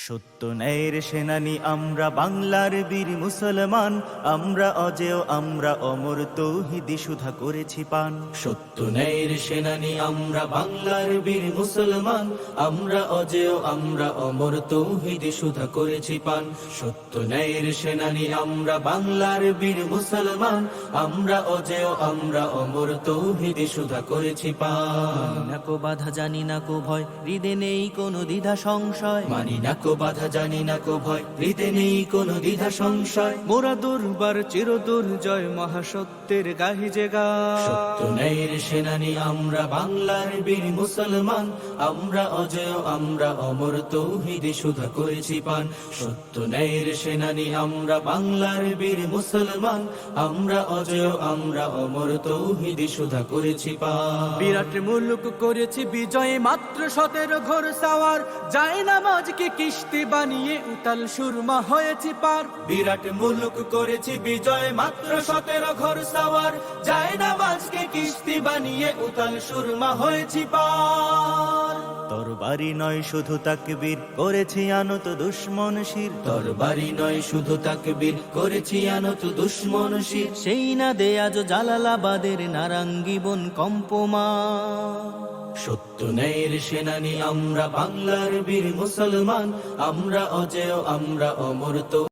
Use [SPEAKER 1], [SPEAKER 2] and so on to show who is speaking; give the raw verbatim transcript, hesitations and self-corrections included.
[SPEAKER 1] সত্য ন্যায়ের সেনানি আমরা বাংলার বীর মুসলমান, আমরা অজেয় আমরা অমর তৌহিদি সুধা করেছি পান।
[SPEAKER 2] সত্য ন্যায়ের সেনানি আমরা বাংলার বীর মুসলমান, আমরা অজেয় আমরা অমর তৌহিদি সুধা করেছি পান। সত্য ন্যায়ের সেনানি আমরা বাংলার বীর মুসলমান, আমরা অজেয় আমরা অমর তৌহিদি সুধা করেছি পান।
[SPEAKER 1] না কো বাধা জানি না কো ভয়, হৃদে নেই কোনো দ্বিধা সংশয়।
[SPEAKER 2] মানি না কো বাধা জানি না কো ভয়, হৃদে নেই কোনো দ্বিধা সংশয়।
[SPEAKER 1] মোরা দুর্বার চির দুর্জয় মহাসত্যের গাহি যে গায়।
[SPEAKER 2] সত্য ন্যায়ের সেনানি আমরা বাংলার বীর মুসলমান, আমরা অজেয় আমরা অমর তৌহিদি সুধা করেছি পান। সত্য ন্যায়ের সেনানি আমরা বাংলার বীর মুসলমান, আমরা অজেয় আমরা অমর তৌহিদি সুধা করেছি পান।
[SPEAKER 1] বিরাট মুলুক করেছি বিজয় মাত্র সতেরো ঘোর সাওয়ার, যায় নামাজকে কিস্তি বানিয়ে উতাল সুরমা হয়েছি পার।
[SPEAKER 2] বিরাট মুলুক করেছি বিজয় মাত্র সতেরো ঘোর সাওয়ার, যায় নামাজকে কিস্তি বানিয়ে উতাল সুরমা হয়েছি পার।
[SPEAKER 1] তরবারি নয় শুধু তাকবীর করেছি আনত দুশ্মন শির।
[SPEAKER 2] তরবারি নয় শুধু তাকবীর করেছি আনত দুশ্মন শির।
[SPEAKER 1] সেই না দে আজ জালালাবাদের নারাঙ্গি বন কম্পমা।
[SPEAKER 2] সত্য ন্যায়ের সেনানি আমরা বাংলার বীর মুসলমান, আমরা অজেয় আমরা অমর তো